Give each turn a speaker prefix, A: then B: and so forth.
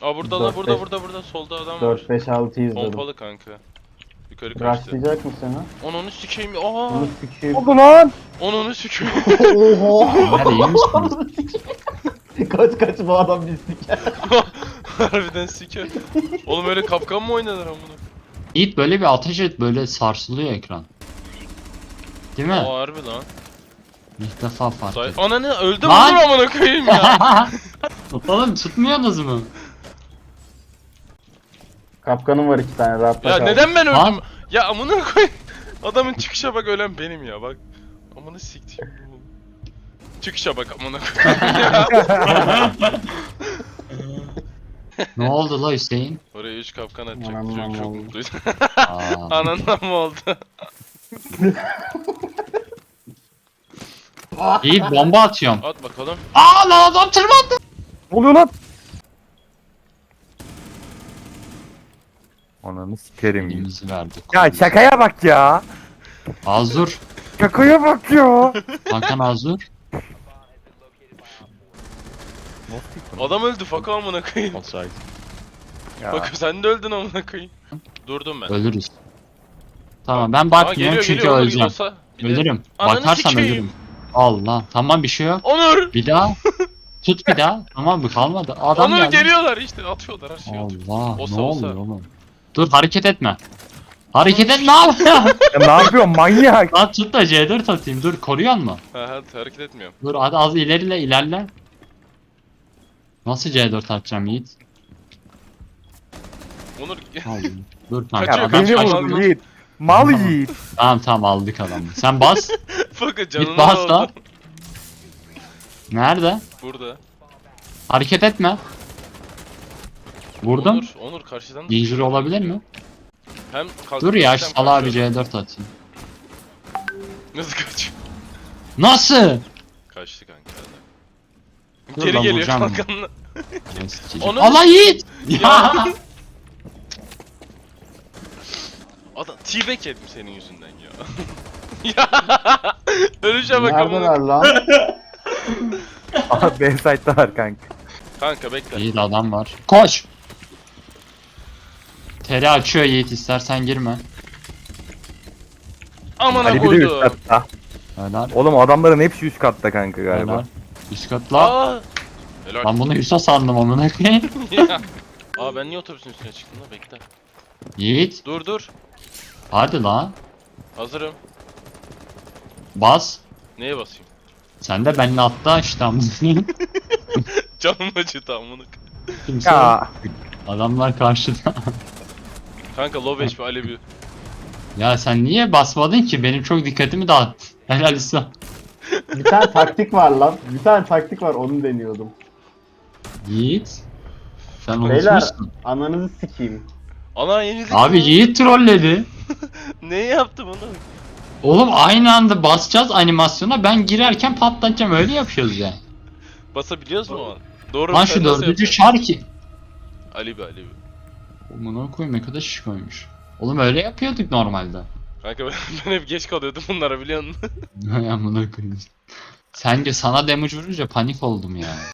A: Aa burada la burada solda adam var.
B: 4-5-6 izledim.
A: Pompalı kanka. Yukarı kaçtı.
B: Rushlayacak mı seni?
A: Onu sikeyim. Aa!
B: Onu sikeyim.
C: Oldu lan.
A: Onu sikeyim.
B: Oha!
D: Nerede iyi misiniz?
B: kaç bu adam bir siker.
A: Harbiden siker. Oğlum öyle kapkan mı oynanır amına?
D: Yiğit böyle bir ateş et, böyle sarsılıyor ekran. Değil mi?
A: Aa harbi lan.
D: İlk defa fark ettim.
A: Ananı öldü mü
D: Lan!
A: amına koyayım ya.
D: Oğlum tutmuyorsunuz mu?
B: Kapkanım var 2 tane rahatla
A: Ya
B: kal.
A: neden ben öldüm?
D: Lan!
A: Ya amına koyayım. Adamın çıkışa bak, ölen benim ya bak. Amına siktim. Çıkışa bak amına koyayım ya.
D: Ne oldu la Hüseyin?
A: Oraya 3 kapkan atacak.
B: Anam
A: Çok
B: oldu.
A: mutluydum.
D: Aa,
A: Anandan mı oldu?
D: Yiğit bomba atıyorum.
A: At bakalım.
D: Aa lan adam tırmandı.
C: Ne oluyor lan? Ananı sikerim.
D: Elimizi verdik.
C: Ya şakaya bak ya.
D: Azur.
C: Şakaya bak ya.
D: Hakan Azur.
A: Adam öldü faka amına koyayım.
C: Ya.
A: Bak sen de öldün amına koyayım. Durdum ben.
D: Ölürüz. Tamam ben
A: Aa,
D: bakmıyorum çünkü
A: Onur
D: öleceğim.
A: olsa bir de-
D: Ölürüm.
A: Ananı
D: Bakarsam
A: sikeyim.
D: ölürüm. Allah. Tamam bir şey yok.
A: Onur!
D: Bir daha. Tut bir daha. Tamam mı? Kalmadı. Adam
A: Onur
D: geldi.
A: geliyorlar işte, atıyorlar her şeyi atıyor.
D: Allah.
A: Olsa
D: Ne
A: olsa.
D: oluyor oğlum? Dur hareket etme. Hareket etme abi.
C: Ya ne yapıyorsun manyak?
D: Lan tut da C4 atayım. Dur koruyor mu?
A: Ha hareket etmiyorum.
D: Dur hadi az ilerle. Nasıl C4 atacağım Yiğit?
A: Onur
D: Allah. Dur kanka
A: Kaçıyor,
C: Ya
D: adam
C: beni
A: kaçıyor.
D: kaçtı.
C: vurdu Yiğit. Mal Yiğit.
D: Tamam aldık adamı. Sen bas.
A: Bakın canına
D: Git bas
A: oldu.
D: da. Nerede?
A: Burada.
D: Hareket etme. Vurdum.
A: Onur karşıdan.
D: Injure olabilir mi?
A: Hem
D: Dur ya şu
A: hem
D: salağa bir
A: kaçıyor.
D: C4 atayım.
A: Nasıl kaçıyor?
D: Nasıl?
A: Kaçtı kanka.
D: Dur
A: Geri
D: lan,
A: geliyor
D: vuracağım onu.
A: kankanla.
D: Onu...
A: Onu-
D: Allah Yiğit!
A: Ya.
D: Ya.
A: Adam T-Bag yedim senin yüzünden ya. Ya ölüşe bak
B: Neredeler
A: amına.
B: lan?
C: Aha B-side'da var kanka.
A: Kanka bekle.
D: Yiğit adam var. Koş! Teri açıyor Yiğit, istersen girme.
A: Amına
C: Ali bir de üst
A: koydu.
C: katta.
D: Helal.
C: Oğlum adamların hepsi üst katta kanka galiba.
D: Helal. Üst katla.
A: Aa. Helal.
D: Lan bunu Hüsa sandım amına koyayım.
A: Ya. Aa ben niye otobüsün üstüne çıktım da bekle.
D: Yiğit.
A: Dur.
D: Hadi lan.
A: Hazırım.
D: Bas.
A: Neye basayım?
D: Sen de benimle atla işte amına koyayım.
A: Canım acıdı amına.
D: Kimse
C: Ya.
D: adamlar karşıda.
A: Kanka low HP Alevi.
D: Ya sen niye basmadın ki? Benim çok dikkatimi dağıttı. Helal Hüsa.
B: Bir tane taktik var lan. Bir tane taktik var, onu deniyordum.
D: Yiğit. Sen
B: Beyler,
D: unutmuşsun.
B: ananızı sikeyim.
A: Ana yenildik.
D: Abi
A: ama.
D: Yiğit trolledi.
A: Neyi yaptım onu?
D: Oğlum aynı anda basacağız animasyona, ben girerken patlatacağım, öyle yapıyoruz ya.
A: Basabiliyoruz mu o an? Doğru.
D: Lan
A: sen
D: şu
A: nasıl
D: dördüncü
A: yapıyorsun?
D: şar ki.
A: Alevi.
D: Aman koyayım, ne kadar şiş koymuş. Oğlum öyle yapıyorduk normalde.
A: Kanka ben hep geç kalıyordum bunlara biliyor musun?
D: Amına koyayım. Sence sana damage vurunca panik oldum ya.